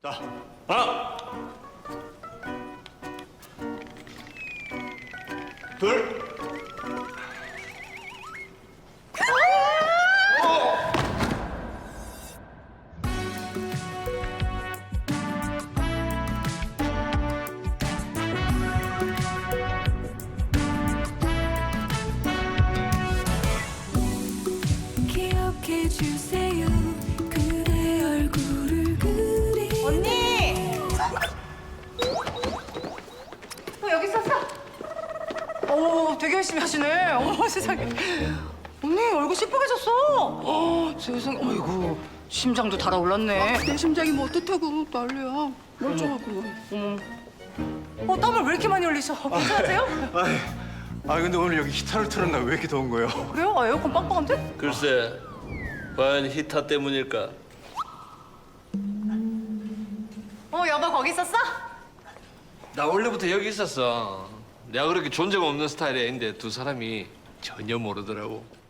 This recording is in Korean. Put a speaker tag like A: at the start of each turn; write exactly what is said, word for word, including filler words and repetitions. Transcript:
A: 자, 하나, 둘,
B: 기억해 주세요. 그대 얼굴을 그리.
C: 언니! 어, 여기 있었어? 오, 되게 열심히 하시네. 어머, 세상에. 언니, 얼굴 시뻘개졌어. 어, 세상에. 어이구, 심장도 달아올랐네.
D: 내 심장이 뭐 어떻다고 난리야. 멀쩡하고.
C: 어머. 어, 땀을 왜 이렇게 많이 흘리셔? 괜찮으세요?
A: 아이, 아 근데 오늘 여기 히터를 틀었나 왜 이렇게 더운 거예요?
C: 그래요? 아, 에어컨 빵빵한데?
E: 글쎄, 과연 히터 때문일까?
C: 어, 여보 거기 있었어?
E: 나 원래부터 여기 있었어. 내가 그렇게 존재가 없는 스타일의 애인데 두 사람이 전혀 모르더라고.